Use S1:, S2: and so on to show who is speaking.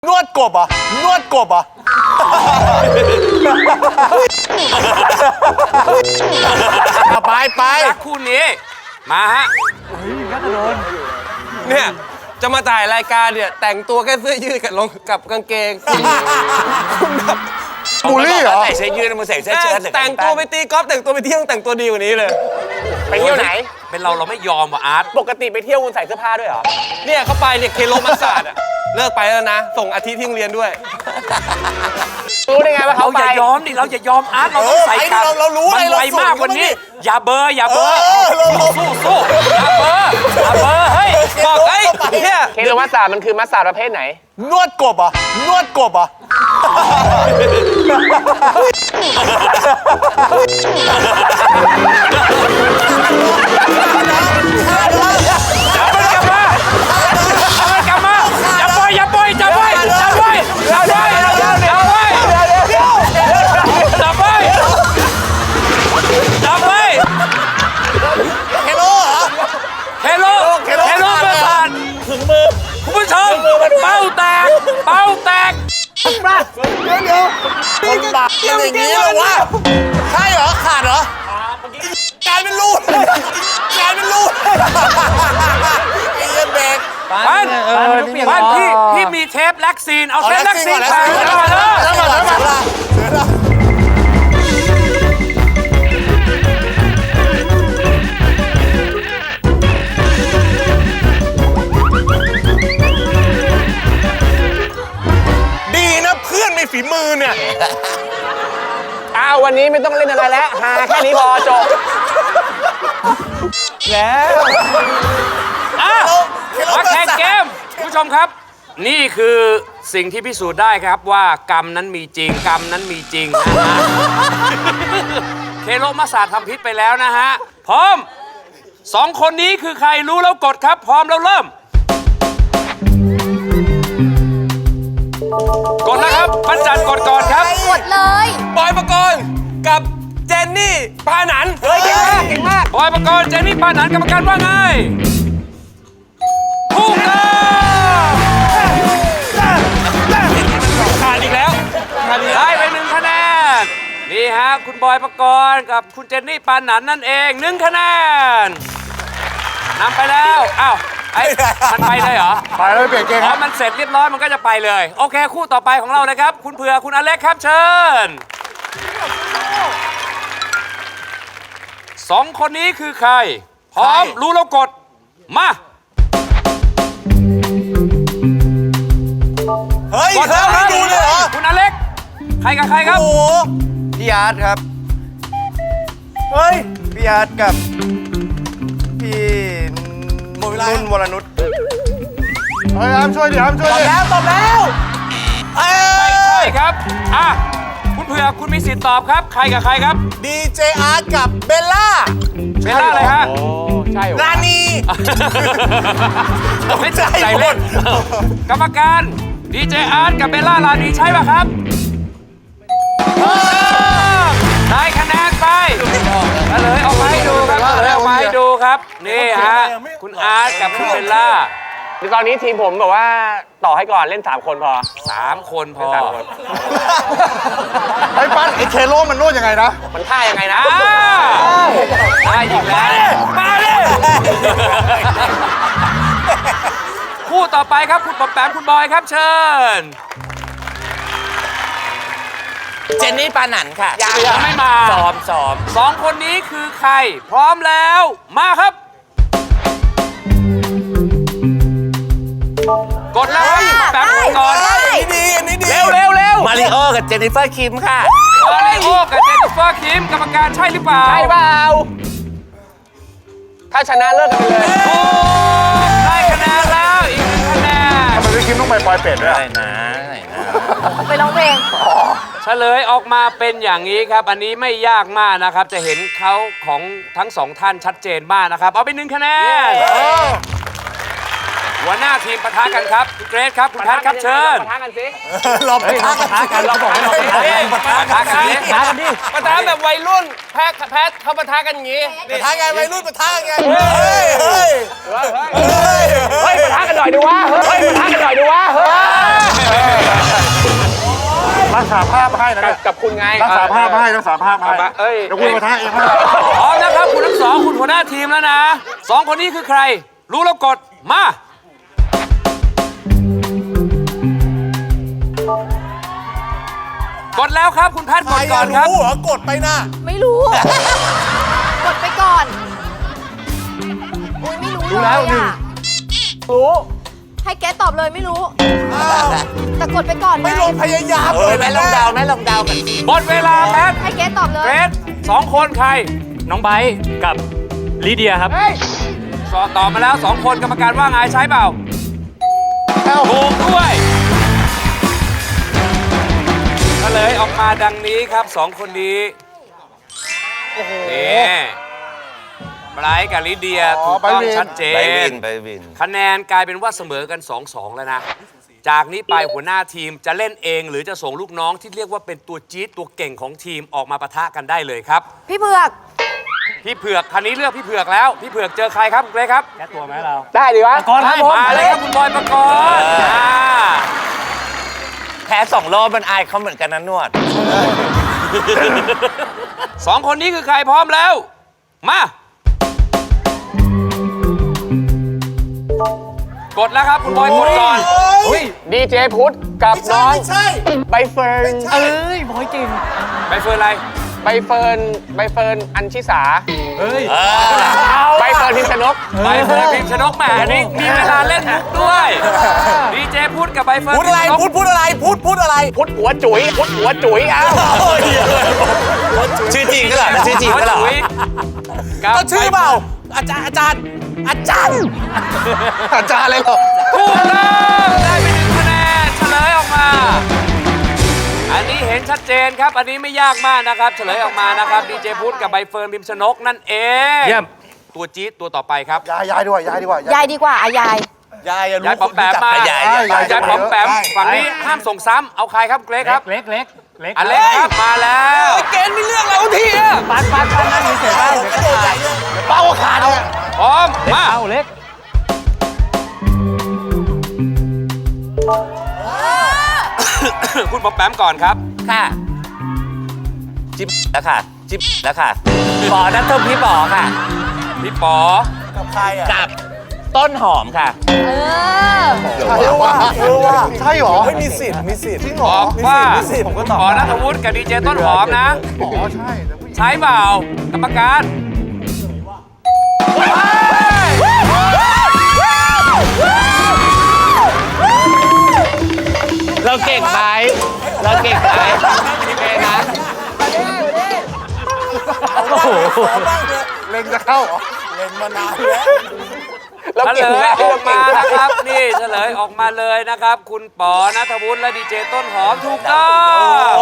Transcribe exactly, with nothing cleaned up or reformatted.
S1: นวดกบอ่ะนวดกบอ่ะไปไป
S2: รักคู่นี้มาฮะเนี่ยจะมาถ่ายรายการเนี่ยแต่งตัวแค่เสื้อยืดกับลงกับกางเกงคุณแบบ
S1: บูลลี่เหรอ
S3: ใส่เสื้อยืดมึงใส่เสื้อเชิ้ต
S2: แต่งตัวไปตีกอล์ฟแต่งตัวไปเที่ยวแต่งตัวดีกว่านี้เลย
S3: ไปเที่ยวไหน
S2: เป็นเราเราไม่ยอมว่ะอาร์ต
S3: ปกติไปเที่ยวคุณใส่เสื้อผ้าด้วยเหรอ
S2: เนี่ยเขาไปเนี่ยเคโลมัสซาดอะเลิกไปแล้วนะส่งอาทิตย์ที่โรงเรียนด้วย
S3: รู้ได้ไงว่า
S2: เรา
S3: เขา
S2: อ
S3: ไป
S2: ย่ายอมดิเราอย่ายอมอาร์ตเราต้องใส่กลับ
S1: เรารู้
S2: มันไวมากกว่านี้อย่าเบอร์อย่าเบอร์สู้สู้อย่าเบอร์อย่าเบอร์เฮ้ยบอกเฮ้ยเนี่ย
S3: เคโลมัสซาดมันคือมัสซาดประเภทไหน
S1: นวดกบอ่ะนวดกบอ่ะ
S2: จับมันกลับมาจับมันกลับมาอย่าปล่อยอย่าปล่อยจับไว้จับไว้จับไว้จับไว้จับไว้จับไว้
S1: เฮโลเหรอ
S2: เฮโลเฮโลประสานถึงมือคุณผู้ชมเป้าแตกเป้าแตก
S1: เดี๋ยวเดี๋ยวคนบาปเป็นอย่างนี้เหรอวะใช่เหรอขาดเหรอกลายเป็นรูดกลายเป็นรูดไอ้เหี้ยเบรก
S2: ปันปันพี่พี่มีเทปแล็กซีนเอาเทปแล็กซีนไปเอามาเลย
S1: แล้วมาแล้วมาแล้วดีนะเพื่อนมีฝีมือเนี่ย
S3: อ้าววันนี้ไม่ต้องเล่นอะไรแล้วหาแค่นี้พอจบ
S2: แล้วอ่ะมาแข่งเกมคุณผู้ชมครับ นี่คือสิ่งที่พิสูจน์ได้ครับว่ากรรมนั้นมีจริงกรรมนั้นมีจริงนะฮะเคโลมาศาสตร์ทำพิษไปแล้วนะฮะพร้อมสองคนนี้คือใครรู้แล้วกดครับ พร้อมแล้วเริ่มกดนะครับปัญจันกดก่อนครับ
S4: กดเลย
S2: บอยปกรณ์กับเจนนี่ปาหนัน
S3: เฮ้ยเก่งมากเก่งมาก
S2: บอยปกรณ์เจนนี่ปาหนันกรรมการว่าไงถูกต้องขาดอีกแล้วได้ไปหนึ่งคะแนนนี่ฮะคุณบอยปกรณ์กับคุณเจนนี่ปาหนันนั่นเองหนึ่งคะแนนนำไปแล้วอ้าวไอ้มันไปเลยเหรอ
S1: ไปแล้วเปลี่ยนเกม
S2: พ
S1: ค
S2: อ
S1: รับ
S2: มันเสร็จเรียบร้อยมันก็จะไปเลย โอเคคู่ต่อไปของเรานะครับ คุณเผือกคุณอเล็กครับเชิญสองคนนี้คือใคร พร้อมรู้แล้วกด มา
S1: เฮ้ย
S2: กด
S1: เธ
S2: แล้
S1: อ
S2: วค
S1: ไม่
S2: รับ
S1: ดูเลยเหรอ
S2: คุณอเล็ก ใครกับใครครับ
S1: โอ้โห
S5: พี่อาร์ตครับ
S1: เฮ้ย
S5: พี่อาร์ตกับพี่
S1: หมดเวลา
S5: นุ่นวรนุช
S1: เฮ้ยอ้ามช่วยดิอ้ามช่วยดิตอบแล้วตอบแล้วเอ้
S2: ไม่
S1: ย
S2: ใช่ครับอ่ะคุณเผือกคุณมีสิทธิ์ตอบครับ ใครกับใครครับ
S1: ดีเจอาร์ตกับเบลล่า
S2: เบลล่าอะไรฮะ
S3: ใช่เหรอ
S1: รานี
S2: ไม่ใจเล่นกรรมการดีเจอาร์ตกับเบลล่าลานีใช่ป่ะครับได้คะแนนไปเฉลยออกมาให้ดูครับเฉลยออกมาให้ดูครับ นี่ฮะ คุณอาร์ตกับคุณเบลล่า
S3: ตอนนี้ทีมผมแบบว่าต่อให้ก่อนเล่นสามคนพอ
S2: สามคนพอ
S3: สามคน
S1: ไอ้ปั้นไอ้เคโลมันนวดยังไงนะ
S3: มันท่ายังไงนะ
S2: อ้าวได้อีกแล้วมาเลยคู่ต่อไปครับคุณปอมแปมคุณบอยครับเชิญ
S3: เจนนี่ปาหนันค่ะ
S2: ยังไม่มา
S3: ซ้อมซ้อม
S2: สองคนนี้คือใคร พร้อมแล้วมาครับ กดแล้วครับแป๊บกดก่อน
S1: อันนี้ดีอันนี้ดี
S2: เร็วเร็วเร็ว
S3: มาริโอกับเจนนิเฟอร์คิมค่ะ
S2: มาริโอกับเจนนิเฟอร์คิมกรรมการใช่หรือเปล่า
S3: ใช่เปล่า ถ้าชนะเลิกกันไปเลย
S2: ถูกได้คะแนนแล้วอีกหนึ่งคะแนน
S1: ทำไมพี่คิมต้องไปปลอยเป็ดด้วย
S3: ได้นะได้นะ
S4: ไปร้องเพลง
S2: เฉลยออกมาเป็นอย่างนี้ครับ อันนี้ไม่ยากมากนะครับ จะเห็นเขาของทั้งสองท่านชัดเจนมากนะครับ เอาไปหนึ่งคะแนนหัวหน้าทีมปะทะกันครับคุณเกรซครับคุณแพทครับเชิญ
S3: ปะทะกันสิ
S1: เราไปท้ากันเราบอกให้เราไปท้ากัน
S2: ปะทะกันดิปะทะกันดิ
S3: ปะทะแบบวัยรุ่นแพทแพทเขาปะทะกันอย่างงี้
S1: ไปท้าไงวัยรุ่นไปท้าไงเฮ้ยเฮ้ย
S3: เฮ้ยปะทะกันหน่อยดูวะเฮ้ยปะทะกันหน่อยดูวะเฮ้ย
S5: รักษาภาพให้นะ
S3: กับกับคุณไง
S5: รักษาภาพให้รักษาภาพให้
S3: เอ้ย
S5: เดี๋ยวคุณมาท้าเอง
S2: พร้อมนะครับคุณทั้งสองคุณหัวหน้าทีมแล้วนะสองคนนี้คือใคร รู้แล้วกดมา กดแล้วครับคุณแพทย์
S1: ใค
S2: ก
S1: ร
S2: ดก่อนครับ
S1: รู้เหรอกดไปนะ
S4: ไม่รู้ กดไปก่อนโอ้ยไม่รู้เลยอ่ะ
S3: รู้
S4: ให้แกตอบเลยไม่รู้
S1: อ้าว
S4: แต่กดไปก่อน
S1: ไม่ลงพยายาม
S3: เออแม่ลองเดาแม่ลองเดากัน
S2: หมดเวลาแพทย์
S4: ให้แกตอบเลย
S2: เกรดสองคนใคร
S6: น้องไบร์ทกับลิเดียครับ
S2: สอบตอบมาแล้วสองคนกรรมการว่าไงใช้เปล่าถูกด้วยก็เลยออกมาดังนี้ครับสองคนนี้นี่ไบรท์กับลิเดียถูกต้องชัดเจ
S7: ไปวิ
S2: น
S7: นไปวิน
S2: คะแนนกลายเป็นว่าเสมอกัน สองสอง แล้วนะ จากนี้ไปหัวหน้าทีมจะเล่นเองหรือจะส่งลูกน้องที่เรียกว่าเป็นตัวจี๊ดตัวเก่งของทีมออกมาปะทะกันได้เลยครับ
S4: พี่เผือก
S2: พี่เผือกคันนี้เลือกพี่เผือกแล้ว พี่เผือกเจอใครครับคุณเกรซครับ
S6: แก้ตัวไหมเรา
S3: ได้ดีวะ
S6: ก่อนครับผม
S2: มาเลยครับคุณบอยปกรณ์อ่า
S7: แพ้สองรอบมันอายเขาเหมือนกันนะนวด
S2: สองคนนี้คือใครพร้อมแล้ว มา กดแล้วครับคุณบอยกดก่อน
S1: เฮ้ย
S3: ดีเจพุทธกับ
S1: ไม่ใช่
S3: น้อง
S1: ไม่ใช่
S3: ใบเฟิร์น
S1: ใช่
S6: เอ้ยบอยเก่ง
S2: ไปเฟิร์นอะไร
S3: ใบเฟิร์นใบเฟิร์นอัญชิสา
S6: เฮ้ย
S3: ใบเฟิร์นพิมชนก
S2: ใบเฟิร์นพิมพ์ชนกแหมนี่มีเวลาเล่นมุกด้วยดีเจพูดกับใบเฟิร์น
S1: พูดอะไร
S2: พิมพ์ชนก
S1: พูดพูดอะไรพูดพูดอะไร
S3: พุทธหัวจุ๋ยพุทธหัวจุ๋ยเอ้า
S7: ชื่อจริงก็เหรอชื่อจริงก็เหรอ
S2: หัวจุ๋ยกับ
S1: ก็ชื่อเปล่า อาจารย์อาจารย์อาจารย์
S3: อาจารย์อะไรหรอ
S2: ถูกต้องได้ไปหนึ่งคะแนนเฉลยออกมา อันนี้เห็นชัดเจนครับ อันนี้ไม่ยากมากนะครับ เฉลยออกมานะครับดีเจพุทธกับใบเฟิร์นพิมพ์ชนกนั่นเอง
S6: เยี่ยม
S2: ตัวจี๊ดตัวต่อไปครับ
S5: ยายยายด้วยยายดีกว่าย
S4: ายดีกว่าอายาย
S1: ยายอะรู้
S2: ยายป๋อมแปมมา
S7: ยาย
S2: ยายป๋อมแปมฝั่งนี้ห้ามส่งซ้ำเอาใครครับเกรซครับ
S6: เล็กเล็กเล็ก
S2: อเล็กครับมาแล้วเกณฑ์ไม่เลือกเราทีอะ
S6: ปัดปัดปัดนั่นเฉยๆได้เดี๋ยวก็ตาย
S1: เป้าขาดเนี่ย
S2: พร้อมมา
S6: เอาเล็ก
S2: คุณป๋อมแปมก่อนครับ
S7: ค่ะจิ๊บแล้วค่ะ จิ๊บแล้วค่ะปอนัทพี่ปอค่ะ
S2: พี่ป๋อ
S1: กับใครอ่ะ
S7: กับต้นหอมค่ะ
S4: เออ
S5: ใช่ว่าเออว่าใช่หรอ
S1: เฮ้ยมีสิทธิ์มีสิทธิ์จริงเหร
S2: บ
S1: อ
S2: อกว่า
S1: มีสิทธิ์ผมก็ตอบ
S2: ป๋อนัทวุฒิกับดีเจต้นหอมนะ
S5: อ๋อใช่แต่ผู้หญิง
S2: ใช้เปล่ากรรมการ
S7: เราเก่งไหมเราเก่งไหมพี่เมย์นะ
S1: โอ้โหบ้างเลย
S5: เล็งจะเข้าเหรอ
S1: เล่นมานานแล้ว
S3: เรา
S2: เฉ
S3: เก่
S2: ล
S3: ง
S2: ย
S3: มาก
S2: ออกมานะครับ นี่เฉลยออกมาเลยนะครับ คุณป๋อนัทวุฒิและดีเจต้นหอมถูกต้อง